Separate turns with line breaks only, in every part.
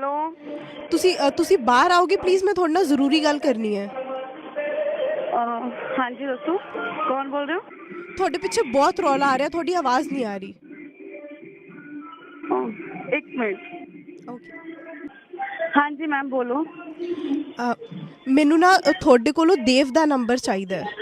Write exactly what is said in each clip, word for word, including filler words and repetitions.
Hello
ਤੁਸੀਂ ਅ, ਤੁਸੀਂ ਬਾਹਰ ਆਓਗੇ ਪਲੀਜ਼, ਮੈਂ ਤੁਹਾਡੇ ਨਾਲ ਜ਼ਰੂਰੀ ਗੱਲ ਕਰਨੀ ਹੈ।
ਅਹ, ਹਾਂਜੀ ਦੱਸੋ ਕੌਣ ਬੋਲ ਰਹੇ ਹੋ?
ਤੁਹਾਡੇ ਪਿੱਛੇ ਬਹੁਤ ਰੌਲਾ ਆ ਰਿਹਾ, ਤੁਹਾਡੀ ਆਵਾਜ਼ ਨਹੀਂ ਆ ਰਹੀ।
ਅਹ, ਇੱਕ ਮਿੰਟ।
ਓਕੇ।
ਹਾਂਜੀ ਮੈਮ ਬੋਲੋ।
ਮੈਨੂੰ ਨਾ ਅ, ਤੁਹਾਡੇ ਕੋਲੋਂ ਦੇਵ ਦਾ ਨੰਬਰ ਚਾਹੀਦਾ ਹੈ,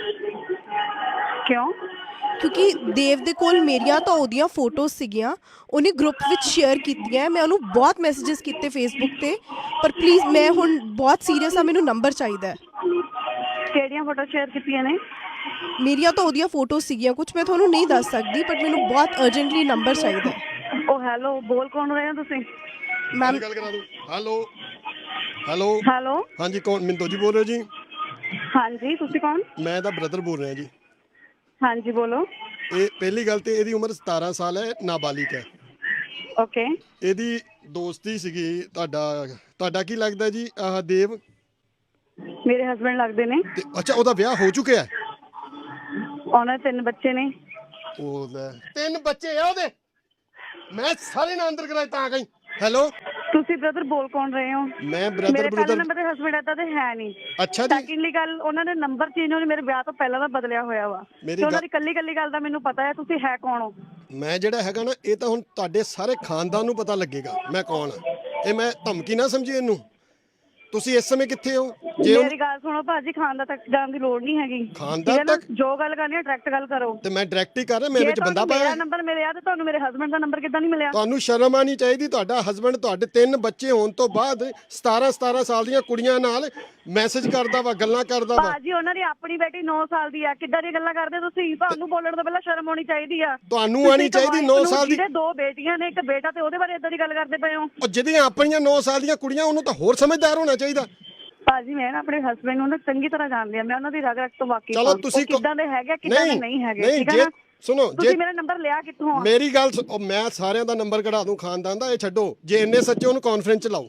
ਕਿਉਂ?
ਕਿਉਂਕਿ ਦੇਵ ਦੇ ਕੋਲ ਮੇਰੀਆਂ ਤਾਂ ਉਹਦੀਆਂ ਫੋਟੋਜ਼ ਸੀਗੀਆਂ, ਉਹਨੇ ਗਰੁੱਪ ਵਿੱਚ ਸ਼ੇਅਰ ਕੀਤੀਆਂ। ਮੈਂ ਉਹਨੂੰ ਬਹੁਤ ਮੈਸੇजेस ਕੀਤੇ ਫੇਸਬੁੱਕ ਤੇ, ਪਰ ਪਲੀਜ਼ ਮੈਂ ਹੁਣ ਬਹੁਤ ਸੀਰੀਅਸ ਆ, ਮੈਨੂੰ ਨੰਬਰ ਚਾਹੀਦਾ ਹੈ।
ਕਿਹੜੀਆਂ ਫੋਟੋ ਸ਼ੇਅਰ ਕੀਤੀਆਂ ਨੇ?
ਮੇਰੀਆਂ ਤਾਂ ਉਹਦੀਆਂ ਫੋਟੋਜ਼ ਸੀਗੀਆਂ, ਕੁਝ ਮੈਂ ਤੁਹਾਨੂੰ ਨਹੀਂ ਦੱਸ ਸਕਦੀ, ਬਟ ਮੈਨੂੰ ਬਹੁਤ ਅਰਜੈਂਟਲੀ ਨੰਬਰ ਚਾਹੀਦਾ ਹੈ।
ਉਹ ਹੈਲੋ, ਬੋਲ ਕੌਣ ਰਹੇ ਹੋ ਤੁਸੀਂ?
ਮੈਮ
ਗੱਲ ਕਰਾ ਦੂੰ। ਹੈਲੋ ਹੈਲੋ
ਹੈਲੋ
ਹਾਂਜੀ, ਕੌਣ? ਮਿੰਦੋ ਜੀ ਬੋਲ ਰਹੇ ਹੋ ਜੀ?
ਹਾਂਜੀ, ਤੁਸੀਂ ਕੌਣ?
ਮੈਂ ਇਹਦਾ ਬ੍ਰਦਰ ਬੋਲ ਰਿਹਾ ਜੀ।
ਹਾਂਜੀ ਬੋਲੋ।
ਇਹ ਪਹਿਲੀ ਗੱਲ ਤੇ ਇਹਦੀ ਉਮਰ ਸਤਾਰਾਂ ਸਾਲ ਹੈ, ਨਾਬਾਲਿਗ ਹੈ।
ਓਕੇ।
ਇਹਦੀ ਦੋਸਤੀ ਸੀਗੀ। ਤੁਹਾਡਾ ਤੁਹਾਡਾ ਕੀ ਲੱਗਦਾ ਜੀ? ਆਹ ਦੇਵ
ਮੇਰੇ ਹਸਬੈਂਡ ਲੱਗਦੇ ਨੇ।
ਤੇ ਅੱਛਾ, ਉਹਦਾ ਵਿਆਹ ਹੋ ਚੁੱਕਿਆ?
ਉਹਨਾਂ ਦੇ ਤਿੰਨ ਬੱਚੇ ਨੇ।
ਉਹਦਾ ਤਿੰਨ ਬੱਚੇ ਆ ਉਹਦੇ। ਮੈਂ ਸਾਰੇ ਨਾਲ ਅੰਦਰ ਕਰਾਏ ਤਾਂ ਗਈ। ਹੈਲੋ
ਤੁਸੀਂ ਬ੍ਰਦਰ ਬੋਲ ਕੌਣ ਰਹੇ ਹੋ?
ਮੈਂ ਬ੍ਰਦਰ
ਮੇਰੇ ਪਹਿਲੇ
ਬ੍ਰਦਰ
ਨੰਬਰ ਦੇ ਹਸਬੈਂਡ ਏਦਾਂ ਦੇ ਹੈ ਨਹੀਂ।
ਅੱਛਾ ਜੀ।
ਸੈਕਿੰਡਲੀ ਗੱਲ, ਉਹਨਾਂ ਦੇ ਨੰਬਰ ਚੇਂਜ ਹੋਣੇ ਮੇਰੇ ਵਿਆਹ ਤੋਂ ਪਹਿਲਾਂ ਦਾ ਬਦਲਿਆ ਹੋਇਆ ਵਾ,
ਮੇਰੀ
ਤੇ ਉਹਨਾਂ
ਗੱਲ,
ਦੀ ਕੱਲੀ ਕੱਲੀ ਗੱਲ ਦਾ ਮੈਨੂੰ ਪਤਾ ਹੈ। ਤੁਸੀਂ ਹੈ ਕੌਣ ਹੋ?
ਮੈਂ ਜਿਹੜਾ ਹੈਗਾ ਨਾ, ਇਹ ਤਾਂ ਹੁਣ ਤੁਹਾਡੇ ਸਾਰੇ ਖਾਨਦਾਨ ਨੂੰ ਪਤਾ ਲੱਗੇਗਾ ਮੈਂ ਕੌਣ ਆ। ਇਹ ਮੈਂ ਧਮਕੀ ਨਾ ਸਮਝੀ ਇਹਨੂੰ। ਤੁਸੀਂ ਇਸ ਸਮੇਂ ਕਿੱਥੇ ਹੋ? ਜੇ
ਮੇਰੀ ਗੱਲ ਸੁਣੋ ਭਾਜੀ, ਖਾਨ ਦਾ ਤੱਕ ਜਾਣ ਦੀ ਲੋੜ ਨਹੀਂ ਹੈਗੀ।
ਖਾਨਦਾਨ
ਠੀਕ ਹੈ ਨਾ,
ਤੱਕ?
ਜੋ ਗੱਲ ਕਰਨੀ ਹੈ ਡਾਇਰੈਕਟ ਗੱਲ ਕਰੋ।
ਤੇ ਮੈਂ ਡਾਇਰੈਕਟ ਹੀ ਕਰ ਰਿਹਾ, ਮੇਰੇ
ਜੇ
ਵਿੱਚ ਬੰਦਾ
ਤੁਹਾਨੂੰ
ਪਾਇਆ।
ਮੇਰਾ ਨੰਬਰ ਮਿਲਿਆ ਤੇ ਤੁਹਾਨੂੰ ਮੇਰੇ ਹਸਬੈਂਡ ਦਾ ਨੰਬਰ ਕਿੱਦਾਂ ਨਹੀਂ ਮਿਲਿਆ?
ਤੁਹਾਨੂੰ ਸ਼ਰਮ ਆਣੀ ਚਾਹੀਦੀ। ਤੁਹਾਡਾ ਹਸਬੰਡ ਤੁਹਾਡੇ ਤਿੰਨ ਬੱਚੇ ਹੋਣ ਤੋਂ ਬਾਅਦ ਸਤਾਰਾਂ ਸਤਾਰਾਂ ਸਾਲ ਦੀਆਂ ਕੁੜੀਆਂ ਨਾਲ ਮੈਸੇਜ ਕਰਦਾ ਵਾ, ਗੱਲਾਂ ਕਰਦਾ ਵਾ।
ਭਾਜੀ ਉਹਨਾਂ ਦੀ ਆਪਣੀ ਬੇਟੀ ਨੌ ਸਾਲ ਦੀ ਆ, ਕਿੱਦਾਂ ਦੀਆਂ ਗੱਲਾਂ ਕਰਦੇ ਤੁਸੀਂ? ਤੁਹਾਨੂੰ ਬੋਲਣ ਤੋਂ ਪਹਿਲਾਂ ਸ਼ਰਮ ਆਉਣੀ ਚਾਹੀਦੀ ਆ।
ਤੁਹਾਨੂੰ
ਤੁਸੀਂ
ਆਣੀ
ਇੱਕ
ਚਾਹੀਦੀ।
wife
ਨੌ
ਨੂੰ,
ਸਾਲ ਦੀ,
ਜਿਹਦੇ ਦੋ ਬੇਟੀਆਂ ਨੇ ਇੱਕ ਬੇਟਾ, ਤੇ ਉਹਦੇ ਬਾਰੇ ਏਦਾਂ ਦੀ ਗੱਲ ਕਰਦੇ ਪਏ ਹੋ?
ਉਹ ਜਿਹਦੀਆਂ ਆਪਣੀਆਂ ਨੌ ਸਾਲ ਦੀਆਂ ਕੁੜੀਆਂ, ਉਹਨੂੰ ਤਾਂ ਹੋਰ ਸਮਝਦਾਰ ਹੋਣਾ ਚਾਹੀਦਾ।
ਭਾਜੀ ਮੈਂ ਨਾ ਆਪਣੇ ਹਸਬੈਂਡ ਨੂੰ ਨਾ ਚੰਗੀ ਤਰ੍ਹਾਂ ਜਾਣਦੀ ਆ, ਮੈਂ ਉਹਨਾਂ ਦੀ ਰਗ ਰਗ ਤੋਂ ਵਾਕਿਫ
ਚਲੋ
ਹਾਂ।
ਤੁਸੀਂ
ਉਹ ਕਿੱਦਾਂ ਦੇ ਹੈਗੇ, ਕਿੱਦਾਂ ਦੇ ਨਹੀਂ ਹੈਗੇ,
ਨਹੀਂ
ਠੀਕ ਹੈ
ਜੇ
ਨਾ?
ਸੁਣੋ, ਜੇ
ਤੁਸੀਂ ਮੇਰਾ ਨੰਬਰ ਲਿਆ ਕਿੱਥੋਂ ਆ?
ਮੇਰੀ ਗੱਲ ਸੁ- ਉਹ ਮੈਂ ਸਾਰਿਆਂ ਦਾ ਨੰਬਰ ਕਢਾ ਦੂੰ ਖਾਨਦਾਨ ਦਾ। ਇਹ ਛੱਡੋ, ਜੇ ਇੰਨੇ ਸੱਚੇ ਉਹਨੂੰ ਕਾਨਫਰੰਸ ਚ ਲਾਓ,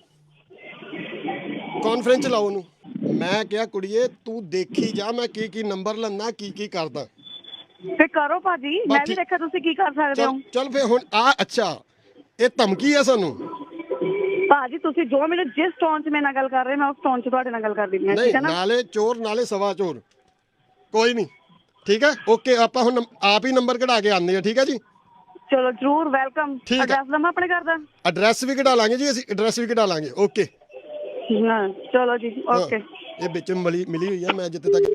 ਕਾਨਫਰੰਸ ਚ ਲਾਓ ਉਹਨੂੰ। ਮੈਂ ਕਿਹਾ ਕੁੜੀਏ ਤੂੰ ਦੇਖੀ ਜਾ ਮੈਂ ਕੀ ਕੀ ਨੰਬਰ ਲੰਨਾ, ਕੀ ਕੀ ਕਰਦਾ।
ਤੇ ਕਰੋ ਭਾਜੀ,
ਬਸ
ਮੈਂ ਵੀ
ਠੀਕ।
ਦੇਖਿਆ ਤੁਸੀਂ ਕੀ ਕਰ ਸਕਦੇ ਹੋ।
ਚੱਲ ਚੱਲ ਫੇ ਹੁਣ ਆ। ਅੱਛਾ, ਇਹ ਧਮਕੀ ਆ ਸਾਨੂੰ?
ਭਾਜੀ ਤੁਸੀਂ ਜੋ ਮੈਨੂੰ ਜਿਸ ਟੋਨ 'ਚ ਮੇਰੇ ਨਾਲ ਗੱਲ ਕਰ ਰਹੇ, ਮੈਂ ਉਸ ਟੋਨ 'ਚ ਤੁਹਾਡੇ ਨਾਲ ਗੱਲ ਕਰਦੀ ਹਾਂ,
ਨਹੀਂ,
ਠੀਕ ਹੈ ਨਾ?
ਨਾਲੇ ਚੋਰ ਨਾਲੇ ਸਵਾ ਚੋਰ। ਕੋਈ ਨਹੀਂ, ਠੀਕ ਹੈ, ਓਕੇ। ਆਪਾਂ ਹੁਣ ਆਪ ਹੀ ਨੰਬਰ ਕਢਾ ਕੇ ਆਉਂਦੇ ਆ, ਠੀਕ ਹੈ ਜੀ?
ਚਲੋ ਜਰੂਰ, ਵੈਲਕਮ।
ਠੀਕ ਹੈ।
ਐਡਰੈਸ ਦਵਾਂ ਆਪਣੇ ਘਰ ਦਾ?
ਐਡਰੈਸ ਵੀ ਕਢਾ ਲਾਂਗੇ ਜੀ, ਅਸੀਂ ਐਡਰੈਸ ਵੀ ਕਢਾ ਲਾਂਗੇ। ਓਕੇ
ਹਾਂ ਚਲੋ ਜੀ,
ਹਾਂ,
ਓਕੇ।
ਇਹ ਵਿੱਚ ਮਿਲੀ ਮਿਲੀ ਹੋਈ ਆ। ਮੈਂ ਜਿੱਥੇ ਤੱਕ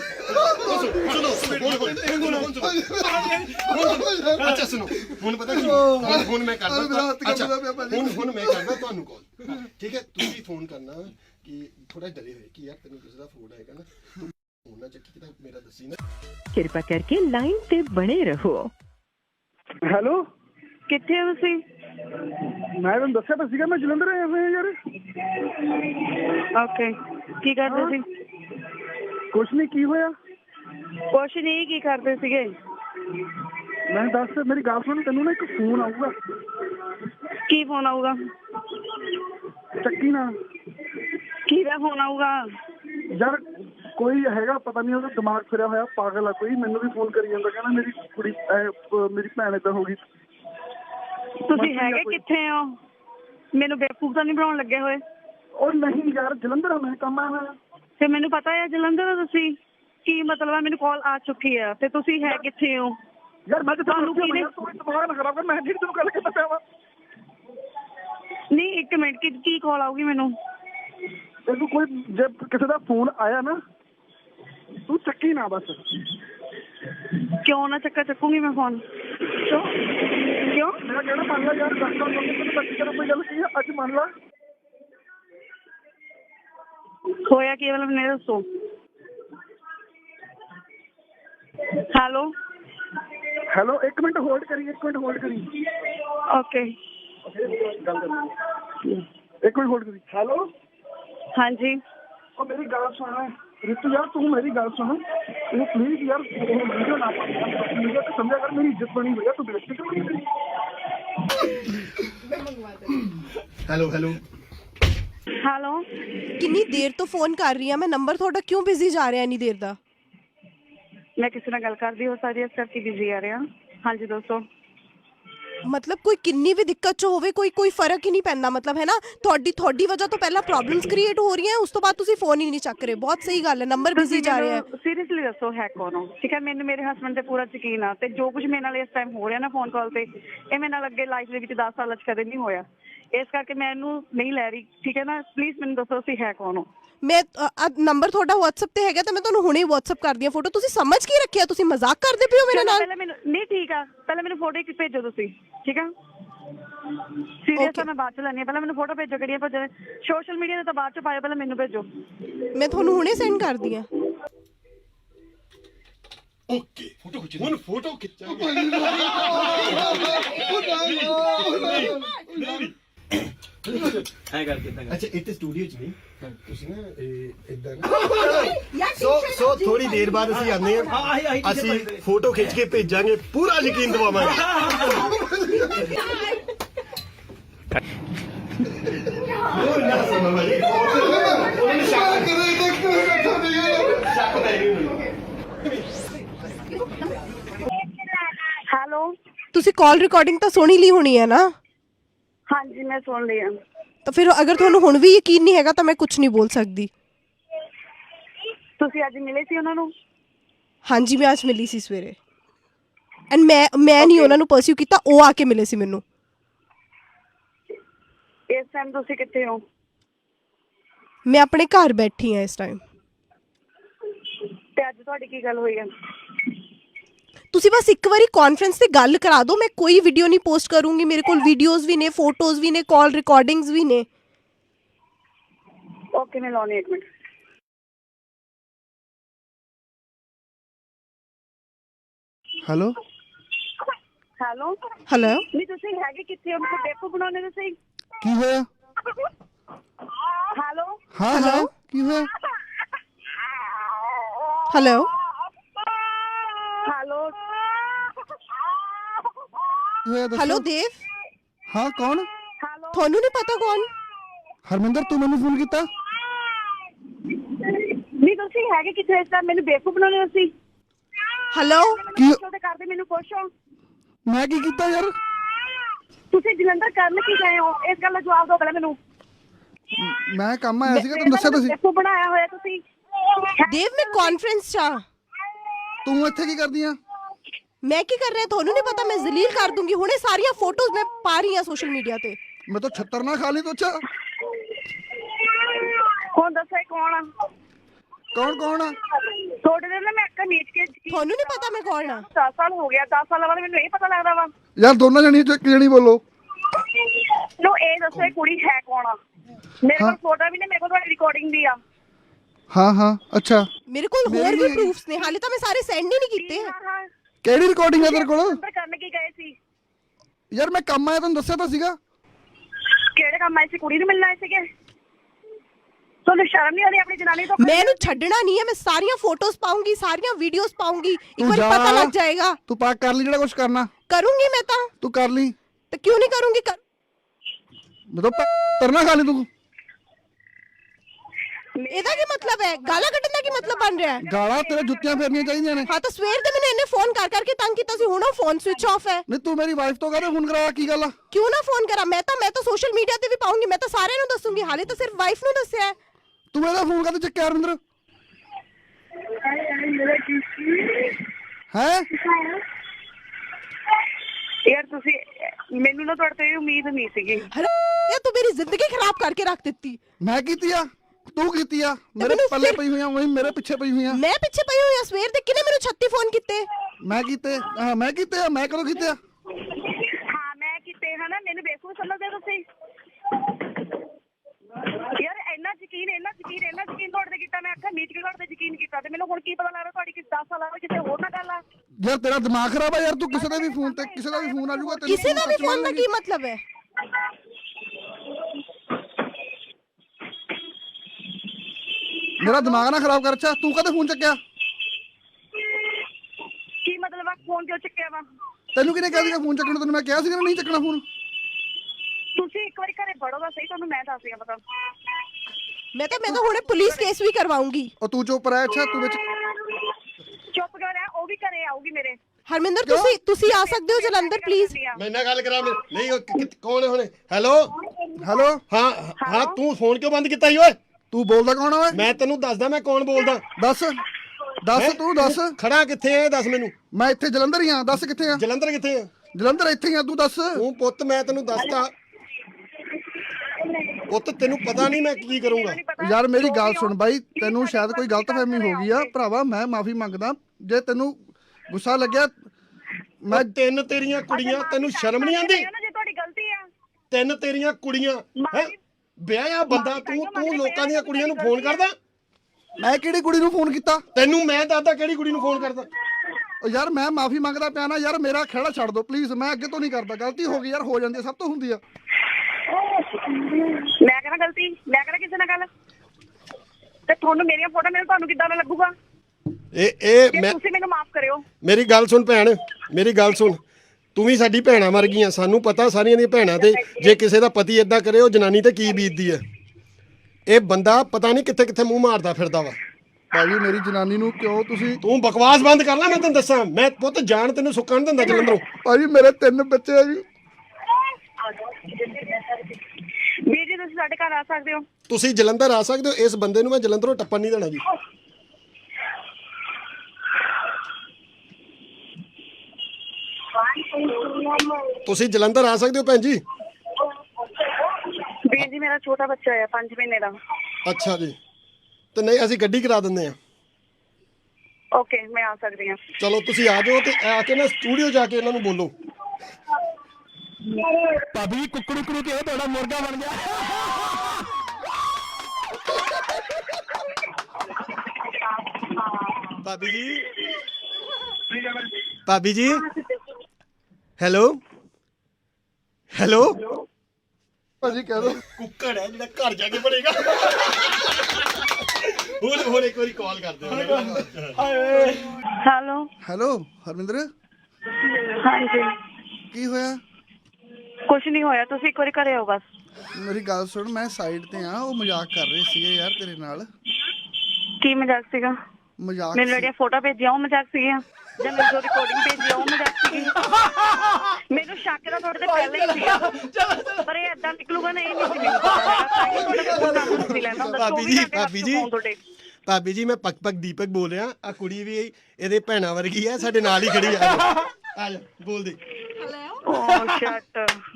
ਅੱਛਾ ਸੁਣੋ, ਹੁਣ ਪਤਾ ਕੀ ਹੁਣ ਹੁਣ ਮੈਂ ਕਰਦਾ। ਅੱਛਾ ਹੁਣ ਹੁਣ ਮੈਂ ਕਰਦਾ ਤੁਹਾਨੂੰ ਕਾਲ, ਠੀਕ ਹੈ? ਤੁਸੀਂ ਫੋਨ ਕਰਨਾ ਕਿ ਥੋੜਾ ਡਰੇ ਹੋਏ ਕਿ ਯਾਰ ਤੈਨੂੰ ਕਿਸੇ ਦਾ ਫੋਨ ਆਏਗਾ ਨਾ, ਤੂੰ ਫੋਨ ਨਾ ਚੱਕੀ, ਤਾਂ ਮੇਰਾ ਦੱਸੀ ਨਾ।
ਕਿਰਪਾ ਕਰਕੇ ਲਾਈਨ ਤੇ ਬਣੇ ਰਹੋ।
ਹੈਲੋ,
ਕਿੱਥੇ ਹੋ ਤੁਸੀਂ?
ਮੈਂ ਤੁਹਾਨੂੰ ਦੱਸਿਆ ਤਾਂ ਸੀਗਾ, ਮੈਂ ਜਲੰਧਰ ਆਇਆ ਹੋਇਆ ਯਾਰ।
ਓਕੇ, ਕੀ ਕਰਦੇ ਸੀ?
ਕੁਛ ਨਹੀਂ, ਕੀ ਹੋਇਆ?
ਕੁਛ ਨਹੀਂ, ਕੀ ਕਰਦੇ ਸੀਗੇ?
ਮੈਂ ਦੱਸ, ਮੇਰੀ ਗੱਲ ਸੁਣ, ਤੈਨੂੰ ਨਾ ਇੱਕ ਫੋਨ ਆਊਗਾ।
ਕੀ ਫੋਨ ਆਊਗਾ?
ਚੱਕੀ ਨਾ।
ਕਿਹਦਾ ਫੋਨ ਆਊਗਾ?
ਯਾਰ ਕੋਈ ਹੈਗਾ, ਪਤਾ ਨਹੀਂ, ਉਹਦਾ ਦਿਮਾਗ ਫਿਰਿਆ ਹੋਇਆ, ਪਾਗਲ ਆ ਕੋਈ। ਮੈਨੂੰ ਵੀ ਫੋਨ ਕਰੀ ਜਾਂਦਾ, ਕਹਿੰਦਾ ਮੇਰੀ ਕੁੜੀ ਅਹ, ਮੇਰੀ ਭੈਣ ਏਦਾਂ ਹੋ ਗਈ।
ਤੁਸੀਂ ਹੈਗੇ ਕਿੱਥੇ ਹੋ? ਮੈਨੂੰ ਬੇਵਕੂਫ ਤਾਂ ਨਹੀਂ ਬਣਾਉਣ ਲੱਗੇ ਹੋਏ?
ਉਹ ਨਹੀਂ ਯਾਰ, ਜਲੰਧਰ ਆ ਮੈਂ, ਕੰਮ ਆਇਆ ਹੋਇਆ।
ਤੇ ਮੈਨੂੰ ਪਤਾ ਹੈ ਜਲੰਧਰ ਹੋ ਤੁਸੀਂ। ਕੀ ਮਤਲਬ ਹੈ? ਮੈਨੂੰ ਕਾਲ ਆ ਚੁੱਕੀ ਹੈ, ਤੇ ਤੁਸੀਂ ਹੈ ਕਿੱਥੇ ਹੋ?
ਯਾਰ ਮੈਂ
ਤੁਹਾਨੂੰ ਕੀ ਨੇ?
ਤੂੰ ਦਿਮਾਗ ਨਾ ਖਰਾਬ ਕਰ, ਮੈਂ ਜਿਹੜੀ ਤੈਨੂੰ ਗੱਲ ਕਰਦਾ ਪਿਆ ਵਾ।
ਨਹੀਂ ਇੱਕ ਮਿੰਟ, ਕੀ ਕੀ ਕਾਲ ਆਊਗੀ ਮੈਨੂੰ?
ਤੈਨੂੰ ਕੋਈ ਜੇ ਕਿਸੇ ਦਾ ਫੋਨ ਆਇਆ ਨਾ, ਤੂੰ ਚੱਕੀ ਨਾ ਬਸ।
ਕਿਉਂ ਨਾ ਚੱਕਾ? ਚੱਕੂਗੀ ਮੈਂ ਫੋਨ।
ਕਿਉਂ
ਕਿਉਂ?
ਮੈਂ ਕਿਹੜਾ ਮੰਨ ਲਾ ਯਾਰ, ਦੱਸ ਤੈਨੂੰ ਬੱਚੀ ਕਰਨ ਕੋਈ ਗੱਲ ਕੀ ਆ? ਅੱਜ ਮੰਨ ਲਾ।
ਹੋਇਆ ਕੀ ਮਤਲਬ, ਮੈਨੂੰ ਦੱਸੋ। ਹੈਲੋ
ਹੈਲੋ, ਇੱਕ ਮਿੰਟ ਹੋਲਡ ਕਰੀ, ਇੱਕ ਮਿੰਟ ਹੋਲਡ ਕਰੀ।
ਓਕੇ,
ਗੱਲ ਕਰ, ਇੱਕ ਮਿੰਟ ਹੋਲਡ ਕਰੀ। ਹੈਲੋ,
ਹਾਂਜੀ।
ਉਹ ਮੇਰੀ ਗੱਲ ਸੁਣ ਰਿਤੂ ਯਾਰ, ਤੂੰ ਮੇਰੀ ਗੱਲ ਸੁਣ। ਤੂੰ ਪਲੀਜ਼ ਯਾਰ ਉਹ ਵੀਡੀਓ ਨਾ ਪਾ, ਵੀਡੀਓ ਤੇ ਸਮਝਿਆ ਕਰ, ਮੇਰੀ ਇੱਜ਼ਤ ਬਣੀ ਹੋਈ ਆ, ਤੂੰ ਬੇਇੱਜ਼ਤੀ ਕਰਨੀ ਮੇਰੀ।
ਹੈਲੋ ਹੈਲੋ
ਹੈਲੋ,
ਕਿੰਨੀ ਦੇਰ ਤੋਂ ਫੋਨ ਕਰ ਰਹੀ ਹਾਂ ਮੈਂ, ਨੰਬਰ ਤੁਹਾਡਾ ਕਿਉਂ ਬਿਜ਼ੀ ਜਾ ਰਿਹਾ ਇੰਨੀ ਦੇਰ ਦਾ?
ਮੈਂ ਕਿਸੇ ਨਾਲ ਗੱਲ ਕਰਦੀ ਹੋ ਸਕਦੀ, ਇਸ ਕਰਕੇ ਬਿਜ਼ੀ ਆ ਰਿਹਾ। ਹਾਂਜੀ ਦੱਸੋ।
ਮਤਲਬ ਕੋਈ ਕਿੰਨੀ ਵੀ ਦਿੱਕਤ ਚ ਹੋਵੇ ਕੋਈ ਕੋਈ ਫਰਕ ਹੀ ਨਹੀਂ ਪੈਂਦਾ ਮਤਲਬ ਹੈ ਨਾ ਤੁਹਾਡੀ ਤੁਹਾਡੀ ਵਜ੍ਹਾ ਤੋਂ ਪਹਿਲਾਂ ਪ੍ਰੋਬਲਮਸ ਕ੍ਰੀਏਟ ਹੋ ਰਹੀਆਂ ਉਸ ਤੋਂ ਬਾਅਦ ਤੁਸੀਂ ਫੋਨ ਹੀ ਨਹੀਂ ਚੱਕ ਰਹੇ ਬਹੁਤ ਸਹੀ ਗੱਲ ਹੈ ਨੰਬਰ ਬਿਜ਼ੀ ਜਾ ਰਿਹਾ ਹੈ
ਸੀਰੀਅਸਲੀ ਦੱਸੋ ਹੈ ਕੌਣ ਹੋ ਠੀਕ ਹੈ ਮੈਨੂੰ ਮੇਰੇ ਹਸਬੰਡ ਤੇ ਪੂਰਾ ਯਕੀਨ ਆ ਤੇ ਜੋ ਕੁਝ ਮੇਰੇ ਨਾਲ ਇਸ ਟਾਈਮ ਹੋ ਰਿਹਾ ਨਾ ਫੋਨ ਕਾਲ ਤੇ ਇਹ ਮੇਰੇ ਨਾਲ ਅੱਗੇ ਲਾਈਫ ਦੇ ਵਿੱਚ ਦਸ ਸਾਲਾਂ ਚ ਕਦੇ ਨਹੀਂ ਹੋਇਆ ਇਸ ਕਰਕੇ ਮੈਂ ਇਹਨੂੰ ਨਹੀਂ ਲੈ ਰਹੀ ਠੀਕ ਹੈ ਨਾ ਪਲੀਜ਼ ਮੈਨੂੰ ਦੱਸੋ ਤੁਸੀਂ ਹੈ ਕੌਣ ਹੋ
ਮੈਂ ਨੰਬਰ ਤੁਹਾਡਾ WhatsApp ਤੇ ਹੈਗਾ ਤਾਂ ਮੈਂ ਤੁਹਾਨੂੰ ਹੁਣੇ WhatsApp ਕਰਦੀ ਹਾਂ ਫੋਟੋ ਤੁਸੀਂ ਸਮਝ ਕੀ ਰੱਖਿਆ ਤੁਸੀਂ ਮਜ਼ਾਕ ਕਰਦੇ ਪਏ ਹੋ ਮੇਰੇ ਨਾਲ
ਪਹਿਲਾਂ ਮੈਨੂੰ ਨਹੀਂ ਠੀਕ ਆ ਪਹਿਲਾਂ ਮੈਨੂੰ ਫੋਟੋ ਇੱਕ ਭੇਜੋ ਤੁਸੀਂ ਠੀਕ ਆ ਸੀਰੀਅਸ ਆ ਮੈਂ ਬਾਅਦ ਚ ਲੈਣੀ ਪਹਿਲਾਂ ਮੈਨੂੰ ਫੋਟੋ ਭੇਜੋ ਕਿਹੜੀਆਂ ਭੇਜੋ ਸੋਸ਼ਲ ਮੀਡੀਆ ਤੇ ਤਾਂ ਬਾਅਦ ਚ ਪਾਇਓ ਪਹਿਲਾਂ ਮੈਨੂੰ ਭੇਜੋ
ਮੈਂ ਤੁਹਾਨੂੰ ਹੁਣੇ ਸੈਂਡ ਕਰਦੀ ਹਾਂ
ਓਕੇ ਫੋਟੋ ਖਿੱਚ ਹੁਣ ਫੋਟੋ ਖਿੱਚਾਂਗੇ
ਐ ਕਰਕੇ ਤਾਂ
ਅੱਛਾ ਇੱਥੇ ਸਟੂਡੀਓ ਚ ਨਹੀਂ ਤੁਸੀਂ ਨਾ ਇਦਾਂ ਸੋ ਸੋ ਥੋੜੀ ਦੇਰ ਬਾਅਦ ਅਸੀਂ ਆਨੇ ਆ ਅਸੀਂ ਫੋਟੋ ਖਿੱਚ ਕੇ ਭੇਜਾਂਗੇ ਪੂਰਾ ਯਕੀਨ ਦਿਵਾਵਾਂਗੇ
ਹੈਲੋ
ਤੁਸੀਂ ਕਾਲ ਰਿਕਾਰਡਿੰਗ ਤਾਂ ਸੁਣੀ ਲਈ ਹੋਣੀ ਹੈ ਨਾ
ਹਾਂਜੀ ਮੈਂ ਸੁਣ ਲਿਆ
ਤਾਂ ਫਿਰ ਅਗਰ ਤੁਹਾਨੂੰ ਹੁਣ ਵੀ ਯਕੀਨ ਨਹੀਂ ਹੈਗਾ ਤਾਂ ਮੈਂ ਕੁਝ ਨਹੀਂ ਬੋਲ ਸਕਦੀ
ਤੁਸੀਂ ਅੱਜ ਮਿਲੇ ਸੀ ਉਹਨਾਂ ਨੂੰ
ਹਾਂਜੀ ਮੈਂ ਅੱਜ ਮਿਲੀ ਸੀ ਸਵੇਰੇ ਐਂਡ ਮੈਂ ਮੈਂ ਨਹੀਂ ਉਹਨਾਂ ਨੂੰ ਪਰਸਿਊ ਕੀਤਾ ਉਹ ਆ ਕੇ ਮਿਲੇ ਸੀ ਮੈਨੂੰ
ਇਸ ਟਾਈਮ ਤੁਸੀਂ ਕਿੱਥੇ ਹੋ
ਮੈਂ ਆਪਣੇ ਘਰ ਬੈਠੀ ਹਾਂ ਇਸ ਟਾਈਮ
ਤੇ ਅੱਜ ਤੁਹਾਡੀ ਕੀ ਗੱਲ ਹੋਈ ਹੈ
ਤੁਸੀਂ ਬਸ ਇੱਕ ਵਾਰੀ ਕਾਨਫਰੰਸ ਤੇ ਗੱਲ ਕਰਾ ਦਿਓ ਮੈਂ ਕੋਈ ਵੀਡੀਓ ਨਹੀਂ ਪੋਸਟ ਕਰੂੰਗੀ ਮੇਰੇ ਕੋਲ ਵੀਡੀਓਜ਼ ਵੀ ਨੇ ਫੋਟੋਜ਼ ਵੀ ਨੇ ਕਾਲ ਰਿਕਾਰਡਿੰਗਸ ਵੀ ਨੇ
ਓਕੇ ਮੈਂ ਲਾਉਣੀ ਇੱਕ ਮਿੰਟ
ਹੈਲੋ
ਹੈਲੋ
ਹੈਲੋ
ਨਹੀਂ ਤੁਸੀਂ ਹੈਗੇ ਕਿੱਥੇ ਹੋ ਮੈਨੂੰ ਡੇਪੋ ਬਣਾਉਣੇ ਤੁਸੀਂ
ਕੀ ਹੋਇਆ
ਹੈਲੋ
ਹਾਂ ਹਾਂ ਕੀ ਹੋਇਆ
ਹੈਲੋ
ਹੈਲੋ
ਕੀ ਹੋਇਆ ਦੱਸੋ
ਹੈਲੋ ਦੇਵ
ਹਾਂ ਕੌਣ
ਹੈਲੋ
ਤੁਹਾਨੂੰ ਨਹੀਂ ਪਤਾ ਕੌਣ
ਹਰਮਿੰਦਰ ਤੂੰ ਮੈਨੂੰ ਫੋਨ ਕੀਤਾ
ਨਹੀਂ ਤੁਸੀਂ ਹੈਗੇ ਕਿੱਥੇ ਇਸ ਟਾਈਮ ਮੈਨੂੰ ਬੇਵਕੂਫ ਬਣਾਉਣੇ ਤੁਸੀਂ
ਹੈਲੋ
ਕੀ
ਤੇ ਕਰਦੇ ਮੈਨੂੰ ਪੁੱਛੋ
ਮੈਂ ਕੀ ਕੀਤਾ ਯਾਰ
ਤੁਸੀਂ ਜਲੰਧਰ ਕਰਨ ਕੀ ਗਏ ਹੋ ਇਸ ਗੱਲ ਦਾ ਜਵਾਬ ਦਿਓ ਪਹਿਲਾਂ ਮੈਨੂੰ
ਮੈਂ ਕੰਮ ਆਇਆ ਸੀਗਾ ਤੈਨੂੰ ਦੱਸਿਆ ਤਾਂ ਸੀ
ਬੇਵਕੂਫ ਬਣਾਇਆ ਹੋਇਆ ਤੁਸੀਂ
ਦੇਵ ਮੈਂ ਕਾਨਫਰੰਸ 'ਚ ਆ
ਤੂੰ ਇੱਥੇ ਕੀ ਕਰਦੀ ਆ
ਮੈਂ ਕੀ ਕਰ ਰਿਹਾ ਤੁਹਾਨੂੰ ਨਹੀਂ ਪਤਾ ਮੈਂ ਜ਼ਲੀਲ ਕਰ ਦੂੰਗੀ ਹੁਣੇ ਸਾਰੀਆਂ ਫੋਟੋਜ਼ ਮੈਂ ਪਾ ਰਹੀ ਹਾਂ ਸੋਸ਼ਲ ਮੀਡੀਆ ਤੇ
ਮੈਂ ਤਾਂ ਛੱਤਰ ਨਾ ਖਾ ਲਈ ਤੋ ਅੱਛਾ
ਹੁਣ ਦੱਸੋ ਇਹ ਕੌਣ ਆ
ਕੌਣ ਕੌਣ ਆ
ਤੁਹਾਡੇ ਨਾਲ ਨਾ ਮੈਂ ਅੱਖਾਂ ਮੀਚ ਕੇ
ਤੁਹਾਨੂੰ ਨਹੀਂ ਪਤਾ ਮੈਂ ਕੌਣ ਆ
ਦਸ ਸਾਲ ਹੋ ਗਿਆ ਦਸ ਸਾਲਾਂ ਬਾਅਦ ਮੈਨੂੰ ਇਹ ਪਤਾ ਲੱਗਦਾ ਵਾ
ਯਾਰ ਦੋਨਾਂ ਜਣੀ ਚੋਂ ਇੱਕ ਜਣੀ ਬੋਲੋ
ਲੋ ਇਹ ਦੱਸੋ ਇਹ ਕੁੜੀ ਹੈ ਕੌਣ ਆ ਮੇਰੇ ਕੋਲ ਫੋਟੋ ਵੀ ਨੇ ਮੇਰੇ ਕੋਲ ਤੁਹਾਡੀ ਰਿਕਾਰਡਿੰਗ ਵੀ ਆ
ਹਾਂ ਹਾਂ ਅੱਛਾ
ਮੇਰੇ ਕੋਲ ਹੋਰ ਵੀ ਪ੍ਰੂਫਸ ਨੇ ਹਾਲੇ ਤਾਂ ਮੈਂ ਸਾਰੇ ਸੈਂਡ ਹੀ ਨਹੀਂ ਕੀਤੇ
ਕਿਹੜੀ ਰਿਕਾਰਡਿੰਗ ਹੈ ਤੇਰੇ ਕੋਲ
ਅੰਦਰ ਕਰਨ ਕੀ ਗਏ ਸੀ
ਯਾਰ ਮੈਂ ਕੰਮ ਆਇਆ ਤੈਨੂੰ ਦੱਸਿਆ ਤਾਂ ਸੀਗਾ
ਕਿਹੜੇ ਕੰਮ ਆਏ ਸੀ ਕੁੜੀ ਨੂੰ ਮਿਲਣ ਆਏ ਸੀਗੇ ਤੁਹਾਨੂੰ ਸ਼ਰਮ ਨਹੀਂ ਆਉਂਦੀ ਆਪਣੀ ਜਨਾਨੀ ਤੋਂ
ਮੈਂ ਇਹਨੂੰ ਛੱਡਣਾ ਨਹੀਂ ਹੈ ਮੈਂ ਸਾਰੀਆਂ ਫੋਟੋਜ਼ ਪਾਉਂਗੀ ਸਾਰੀਆਂ ਵੀਡੀਓਜ਼ ਪਾਉਂਗੀ ਇੱਕ
ਤੂੰ
ਵਾਰੀ
ਜਾ।
ਪਤਾ ਲੱਗ ਜਾਏਗਾ
ਤੂੰ ਪਾਕ ਕਰ ਲਈ ਜਿਹੜਾ ਕੁਝ ਕਰਨਾ
ਕਰੂੰਗੀ ਮੈਂ ਤਾਂ
ਤੂੰ ਕਰ ਲਈ
ਤੇ ਕਿਉਂ ਨਹੀਂ ਕਰੂੰਗੀ ਕਰ
ਮੈਂ ਤਾਂ ਤਰਨਾ ਖਾ ਲਈ ਤੂੰ
ਇਹਦਾ ਕੀ ਮਤਲਬ ਹੈ ਗਾਲਾਂ ਕੱਢਣ ਦਾ ਕੀ ਮਤਲਬ ਬਣ ਰਿਹਾ ਹੈ
ਗਾਲਾਂ ਤੇਰੇ ਜੁੱਤੀਆਂ ਫੇਰਨੀਆਂ ਚਾਹੀਦੀਆਂ ਨੇ
ਹਾਂ ਤਾਂ ਸਵੇਰ ਦੇ ਮੈਨੂੰ ਇਹਨੇ ਫੋਨ ਕਰ ਕਰਕੇ ਤੰਗ ਕੀਤਾ ਸੀ ਹੁਣ ਉਹ ਫੋਨ ਸਵਿਚ ਆਫ ਹੈ
ਨਹੀਂ ਤੂੰ ਮੇਰੀ ਵਾਈਫ ਤੋਂ ਕਹਦੇ ਫੋਨ ਕਰਾਇਆ ਕੀ ਗੱਲ ਆ
ਕਿਉਂ ਨਾ ਫੋਨ ਕਰਾਂ ਮੈਂ ਤਾਂ ਮੈਂ ਤਾਂ ਸੋਸ਼ਲ ਮੀਡੀਆ ਤੇ ਵੀ ਪਾਉਂਗੀ ਮੈਂ ਤਾਂ ਸਾਰਿਆਂ ਨੂੰ ਦੱਸੂਗੀ ਹਾਲੇ ਤਾਂ ਸਿਰਫ ਵਾਈਫ ਨੂੰ ਦੱਸਿਆ ਹੈ
ਤੂੰ ਇਹਦਾ ਫੋਨ ਕਦੇ ਚੱਕਿਆ ਰਵਿੰਦਰ ਹੈ
ਯਾਰ ਤੁਸੀਂ ਮੈਨੂੰ ਨਾ ਤੁਹਾਡੇ ਤੋਂ ਇਹ ਉਮੀਦ ਨਹੀਂ ਸੀਗੀ
ਇਹ ਤੂੰ ਮੇਰੀ ਜ਼ਿੰਦਗੀ ਖਰਾਬ ਕਰਕੇ ਰੱਖ ਦਿੱਤੀ
ਮੈਂ ਕੀਤੀ ਆ ਤੂੰ ਕੀਤੀ ਆ ਮੇਰੇ
ਮੈਨੂੰ
ਪੱਲੇ
ਫਿਰ-
ਪਈ ਹੋਈਆਂ ਉਹੀ ਮੇਰੇ ਪਿੱਛੇ ਪਈ ਹੋਈਆਂ
ਮੈਂ ਪਿੱਛੇ ਪਈ ਹੋਈ ਆ ਸਵੇਰ ਦੇ ਕਿਨੇ ਮੈਨੂੰ ਛੱਤੀ ਫੋਨ ਕੀਤੇ
ਮੈਂ ਕੀਤੇ ਹਾਂ ਮੈਂ ਕੀਤੇ ਆ ਮੈਂ ਕਦੋਂ ਕੀਤੇ ਆ
ਹਾਂ ਮੈਂ ਕਿਤੇ ਹਨਾ ਮੈਨੂੰ ਬੇਵਕੂਫ ਸਮਝਦੇ ਤੁਸੀਂ ਯਾਰ ਇੰਨਾ ਯਕੀਨ ਇੰਨਾ ਯਕੀਨ ਇੰਨਾ ਯਕੀਨ ਤੁਹਾਡੇ ਤੇ ਕੀਤਾ ਮੈਂ ਅੱਖਾਂ ਮੀਚ ਕੇ ਤੁਹਾਡੇ ਤੇ ਯਕੀਨ ਕੀਤਾ ਤੇ ਮੈਨੂੰ ਹੁਣ ਕੀ ਪਤਾ ਲੱਗਦਾ ਤੁਹਾਡੀ ਕਿ ਦਸ ਸਾਲਾਂ ਬਾਅਦ ਕਿਸੇ ਹੋਰ ਨਾਲ ਗੱਲ ਆ
ਯਾਰ ਤੇਰਾ ਦਿਮਾਗ ਖਰਾਬ ਆ ਯਾਰ ਤੂੰ ਕਿਸੇ ਦੇ ਵੀ ਫੋਨ ਤੇ ਕਿਸੇ ਦਾ ਵੀ ਫੋਨ ਆ ਜਾਊਗਾ ਤੈਨੂੰ
ਕਿਸੇ ਦਾ ਵੀ
ਸੱਚ
ਫੋਨ ਦਾ
ਮੰਨੇਗੀ।
ਕੀ ਮਤਲਬ ਹੈ
ਮੇਰਾ ਦਿਮਾਗ ਨਾ ਖਰਾਬ ਕਰ ਅੱਛਾ ਤੂੰ ਕਦੇ ਫੋਨ ਚੱਕਿਆ
ਕੀ ਮਤਲਬ ਆ ਫੋਨ ਕਿਉਂ ਚੱਕਿਆ ਵਾ
ਤੈਨੂੰ ਕਿਹਨੇ ਕਹਿ ਦਿੱਤਾ ਫੋਨ ਚੱਕਣ ਨੂੰ ਤੈਨੂੰ ਮੈਂ ਕਿਹਾ ਸੀ ਕਿ ਨਹੀਂ ਚੱਕਣਾ ਫੋਨ
ਤੁਸੀਂ ਇੱਕ ਵਾਰੀ ਘਰੇ ਵੜੋ ਤਾਂ ਸਹੀ ਤੁਹਾਨੂੰ ਮੈਂ ਦੱਸ ਦਿਆਂ ਪਤਾ
ਮੈਂ ਤਾਂ ਮੈਂ ਤਾਂ ਹੁਣੇ ਪੁਲਿਸ ਕੇਸ ਵੀ ਕਰਵਾਉਂਗੀ
ਉਹ ਤੂੰ ਚੁੱਪ ਰਹਿ ਅੱਛਾ ਤੂੰ ਵਿੱਚ
ਚੁੱਪ ਕਰ ਰਿਹਾ ਉਹ ਵੀ ਘਰੇ ਆਊਗੀ ਮੇਰੇ
ਹਰਮਿੰਦਰ ਤੁਸੀਂ ਤੁਸੀਂ ਆ ਸਕਦੇ ਹੋ ਜਲੰਧਰ ਪਲੀਜ਼।
ਮੈਂ ਨਾਲ ਗੱਲ ਕਰਾਂ ਮੇਰੇ- ਨਹੀਂ ਉਹ ਕਿ- ਕਿ- ਕੌਣ ਹੈ ਹੁਣ? ਹੈਲੋ
ਹੈਲੋ
ਹਾਂ ਹਾਂ ਤੂੰ ਫੋਨ ਕਿਉਂ ਬੰਦ ਕੀਤਾ ਸੀ ਓਏ?
ਤੂੰ ਬੋਲਦਾ ਕੌਣ ਆ ਓਏ?
ਮੈਂ ਤੈਨੂੰ ਦੱਸਦਾ ਮੈਂ ਕੌਣ ਬੋਲਦਾ।
ਦੱਸ ਦੱਸ
ਹੈਂ?
ਤੂੰ ਦੱਸ।
ਖੜਾ ਕਿੱਥੇ ਹੈ ਦੱਸ ਮੈਨੂੰ।
ਮੈਂ ਇੱਥੇ ਜਲੰਧਰ ਹੀ ਆ। ਦੱਸ ਕਿੱਥੇ ਆ?
ਜਲੰਧਰ ਕਿੱਥੇ ਆ
ਜਲੰਧਰ ਇੱਥੇ ਹੀ ਆ। ਤੂੰ ਦੱਸ।
ਤੂੰ ਪੁੱਤ ਮੈਂ ਤੈਨੂੰ ਦੱਸਦਾ ਪੁੱਤ ਤੈਨੂੰ ਪਤਾ ਨਹੀਂ ਮੈਂ ਕੀ ਕਰੂੰਗਾ।
ਯਾਰ ਮੇਰੀ ਗੱਲ ਸੁਣ ਬਾਈ, ਤੈਨੂੰ ਸ਼ਾਇਦ ਕੋਈ ਗਲਤਫਹਿਮੀ ਹੋ ਗਈ ਆ ਭਰਾਵਾ। ਮੈਂ ਮਾਫੀ ਮੰਗਦਾ ਜੇ ਤੈਨੂੰ ਗੁੱਸਾ ਲੱਗਿਆ।
ਮੈਂ
ਮੈਂ
ਤਿੰਨ ਤੇਰੀਆਂ ਕੁੜੀਆਂ ਤੈਨੂੰ ਸ਼ਰਮ ਨਹੀਂ ਆਉਂਦੀ?
ਜੇ ਤੁਹਾਡੀ ਗਲਤੀ ਆ
ਤਿੰਨ ਤੇਰੀਆਂ ਕੁੜੀਆਂ ਹੈ ਵਿਆਹਿਆ ਬੰਦਾ ਤੂੰ ਤੂੰ ਲੋਕਾਂ ਦੀਆਂ ਕੁੜੀਆਂ ਨੂੰ ਫੋਨ ਕਰਦਾ?
ਮੈਂ ਕਿਹੜੀ ਕੁੜੀ ਨੂੰ ਫੋਨ ਕੀਤਾ?
ਤੈਨੂੰ ਮੈਂ ਦੱਸਦਾ ਕਿਹੜੀ ਕੁੜੀ ਨੂੰ ਫੋਨ ਕਰਦਾ।
ਉਹ ਯਾਰ ਮੈਂ ਮਾਫੀ ਮੰਗਦਾ ਪਿਆ ਨਾ ਯਾਰ। ਮੇਰਾ ਖੇੜਾ ਛੱਡ ਦੋ ਪਲੀਜ਼। ਮੈਂ ਅੱਗੇ ਤੋਂ ਨਹੀਂ ਕਰਦਾ। ਗਲਤੀ ਹੋ ਗਈ ਯਾਰ, ਹੋ ਜਾਂਦੀ ਆ, ਸਭ ਤੋਂ ਹੁੰਦੀ ਆ।
ਮੈਂ ਕਰਾਂ ਗਲਤੀ? ਮੈਂ ਕਰਾਂ ਕਿਸੇ ਨਾਲ ਗੱਲ? ਤੇ ਤੁਹਾਨੂੰ ਮੇਰੀਆਂ ਫੋਟੋ ਮੇਰੇ ਤੁਹਾਨੂੰ ਕਿੱਦਾਂ ਦਾ ਲੱਗੂਗਾ?
ਇਹ ਇਹ
ਜੇ
ਮੈਂ
ਤੁਸੀਂ ਮੈਨੂੰ ਮਾਫ ਕਰਿਓ।
ਮੇਰੀ ਗੱਲ ਸੁਣ ਭੈਣ, ਮੇਰੀ ਗੱਲ ਸੁਣ। ਤੂੰ ਵੀ ਸਾਡੀ ਭੈਣਾਂ ਵਰਗੀਆਂ। ਸਾਨੂੰ ਪਤਾ ਸਾਰੀਆਂ ਦੀਆਂ ਭੈਣਾਂ ਤੇ ਜੇ ਕਿਸੇ ਦਾ ਪਤੀ ਇਦਾਂ ਕਰੇ ਉਹ ਜਨਾਨੀ ਤੇ ਕੀ ਬੀਤਦੀ ਹੈ। ਇਹ ਬੰਦਾ ਪਤਾ ਨਹੀਂ ਕਿੱਥੇ ਕਿੱਥੇ ਮੂੰਹ ਮਾਰਦਾ ਫਿਰਦਾ ਵਾ।
ਭਾਜੀ ਮੇਰੀ ਜਨਾਨੀ ਨੂੰ ਕਿਉਂ ਤੁਸੀਂ?
ਤੂੰ ਬਕਵਾਸ ਬੰਦ ਕਰ ਲੈ। ਮੈਂ ਤੈਨੂੰ ਦੱਸਾਂ ਮੈਂ ਪੁੱਤ ਜਾਣ ਤੈਨੂੰ ਸੁੱਕਾ ਨਹੀਂ ਦਿੰਦਾ ਜਲੰਧਰੋਂ।
ਭਾਜੀ ਮੇਰੇ ਤਿੰਨ ਬੱਚੇ ਆ ਜੀ।
ਵੀਰ ਜੀ ਤੁਸੀਂ ਸਾਡੇ ਘਰ ਆ ਸਕਦੇ ਹੋ।
ਤੁਸੀਂ ਜਲੰਧਰ ਆ ਸਕਦੇ ਹੋ। ਇਸ ਬੰਦੇ ਨੂੰ ਮੈਂ ਜਲੰਧਰੋਂ ਟੱਪਣ ਨਹੀਂ ਦੇਣਾ ਜੀ। ਤੁਸੀਂ ਜਲੰਧਰ ਆ ਸਕਦੇ ਹੋ ਭੈਣ ਜੀ।
ਵੀਰ ਜੀ ਮੇਰਾ ਛੋਟਾ ਬੱਚਾ ਹੈ ਪੰਜ ਮਹੀਨੇ ਦਾ।
ਅੱਛਾ ਜੀ, ਤੇ ਨਹੀਂ ਅਸੀਂ ਗੱਡੀ ਕਰਾ ਦਿੰਦੇ ਆ।
ਓਕੇ ਮੈਂ ਆ ਸਕਦੀ ਹਾਂ।
ਚਲੋ ਤੁਸੀਂ ਆ ਜਾਓ ਤੇ ਆ ਕੇ ਨਾ ਸਟੂਡੀਓ ਜਾ ਕੇ ਇਹਨਾਂ ਨੂੰ ਬੋਲੋ।
ਭਾਬੀ ਕੁੱਕੜੂ ਕੁੱਕੜੂ ਕੇ ਤੁਹਾਡਾ ਮੁਰਗਾ ਬਣ ਗਿਆ।
ਭਾਬੀ ਜੀ, ਭਾਬੀ ਜੀ, ਹੈਲੋ ਹੈਲੋ।
ਭਾਜੀ ਕਹਿ ਦੋ।
ਕੁੱਕੜ ਹੈ ਜਿਹੜਾ ਘਰ ਜਾ ਕੇ ਬਣੇਗਾ। ਹੋਰ ਹੋਰ ਇੱਕ ਵਾਰੀ ਕਾਲ ਕਰ ਦਿਓ।
ਹੈਲੋ
ਹੈਲੋ ਹਰਮਿੰਦਰ,
ਹਾਂਜੀ
ਕੀ ਹੋਇਆ?
ਕੁਝ ਨਹੀਂ ਹੋਇਆ। ਤੁਸੀਂ ਇੱਕ ਵਾਰੀ ਘਰੇ ਆਓ ਬਸ।
ਮੇਰੀ ਗੱਲ ਸੁਣ, ਮੈਂ ਸਾਈਡ ਤੇ ਆ। ਉਹ ਮਜ਼ਾਕ ਕਰ ਰਹੇ ਸੀਗੇ ਯਾਰ ਤੇਰੇ ਨਾਲ।
ਕੀ ਮਜ਼ਾਕ ਸੀਗਾ?
ਮਜ਼ਾਕ
ਮੈਨੂੰ
ਸੀ।
ਜਿਹੜੀਆਂ ਫੋਟੋ ਭੇਜੀਆਂ ਉਹ ਮਜ਼ਾਕ ਸੀਗੀਆਂ ਜਾਂ ਮੈਨੂੰ ਜੋ ਰਿਕਾਰਡਿੰਗ ਭੇਜੀ ਉਹ ਮਜ਼ਾਕ ਸੀਗੀ? ਮੈਨੂੰ ਸ਼ੱਕ ਦਾ ਤੁਹਾਡੇ ਤੇ ਪਹਿਲਾਂ ਹੀ ਸੀਗਾ ਪਰ ਇਹ ਏਦਾਂ ਨਿਕਲੂਗਾ ਨਾ ਇਹ ਨਹੀਂ ਸੀ ਮੈਨੂੰ ਪਤਾ ਹੈਗਾ। ਤਾਂ ਹੀ ਤੁਹਾਡੇ ਕੋਲ ਕੰਮ ਨਹੀਂ ਲੈਂਦਾ ਹੁੰਦਾ।
ਭਾਬੀ ਜੀ, ਭਾਬੀ ਜੀ, ਭਾਬੀ ਜੀ ਮੈਂ ਪਕ ਪਕ ਦੀਪਕ ਬੋਲ ਰਿਹਾ। ਆ ਕੁੜੀ ਵੀ ਇਹਦੇ ਭੈਣਾਂ ਵਰਗੀ ਆ, ਸਾਡੇ ਨਾਲ ਹੀ ਖੜੀ ਆ। ਆ ਜਾ ਬੋਲ ਦੇ।
Oh shut.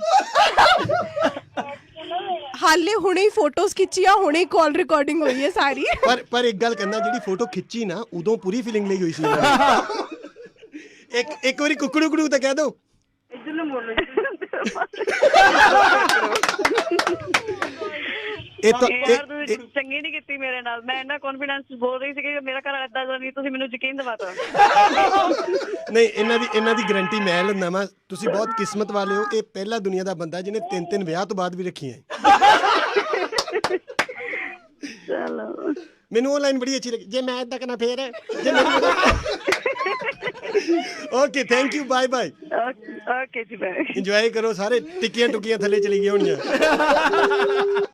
ਹਾਲੇ ਹੁਣੇ ਹੀ ਫੋਟੋਜ਼ ਖਿੱਚੀਆਂ, ਹੁਣੇ ਹੀ ਕਾਲ ਰਿਕਾਰਡਿੰਗ ਹੋਈ ਹੈ ਸਾਰੀ।
ਪਰ ਪਰ ਇੱਕ ਗੱਲ ਕਰਨਾ, ਜਿਹੜੀ ਫੋਟੋ ਖਿੱਚੀ ਨਾ ਉਦੋਂ ਪੂਰੀ ਫੀਲਿੰਗ ਲਈ ਹੋਈ ਸੀ ਇਹਨਾਂ ਨੇ। ਇੱਕ ਇੱਕ ਵਾਰੀ ਕੁੱਕੜੂ ਕੁੜੂ ਤਾਂ ਕਹਿ ਦੋ।
ਇੱਧਰ ਨੂੰ ਬੋਲੋ।
ਇਹ ਤਾਂ
ਯਾਰ ਤੁਸੀਂ ਚੰਗੀ ਨਹੀਂ ਕੀਤੀ ਮੇਰੇ ਨਾਲ। ਮੈਂ ਇੰਨਾ ਕੌਨਫੀਡੈਂਸ ਬੋਲ ਰਹੀ ਸੀ ਕਿ ਮੇਰਾ ਘਰ ਏਦਾਂ ਦਾ ਨਹੀਂ। ਤੁਸੀਂ ਮੈਨੂੰ ਯਕੀਨ ਦਿਵਾਤਾ।
ਨਹੀਂ ਇਹਨਾਂ ਦੀ ਇਹਨਾਂ ਦੀ ਗਾਰੰਟੀ ਮੈਂ ਲੈਂਦਾ ਵਾਂ। ਤੁਸੀਂ ਬਹੁਤ ਕਿਸਮਤ ਵਾਲੇ ਹੋ। ਇਹ ਪਹਿਲਾ ਦੁਨੀਆ ਦਾ ਬੰਦਾ ਜਿਹਨੇ ਤਿੰਨ ਤਿੰਨ ਵਿਆਹ ਤੋਂ ਬਾਅਦ ਵੀ ਰੱਖੀਆਂ।
ਚਲੋ
ਮੈਨੂੰ ਉਹ ਲਾਈਨ ਬੜੀ ਅੱਛੀ ਲੱਗੀ, ਜੇ ਮੈਂ ਏਦਾਂ ਕਰਨਾ ਫੇਰ ਜੇ okay thank you bye bye.
Okay ਜੀ ਬਾਏ।
ਇੰਜੋਏ ਕਰੋ ਸਾਰੇ। ਟਿੱਕੀਆਂ ਟੁੱਕੀਆਂ ਥੱਲੇ ਚਲੀ ਗਈਆਂ ਹੋਣੀਆਂ।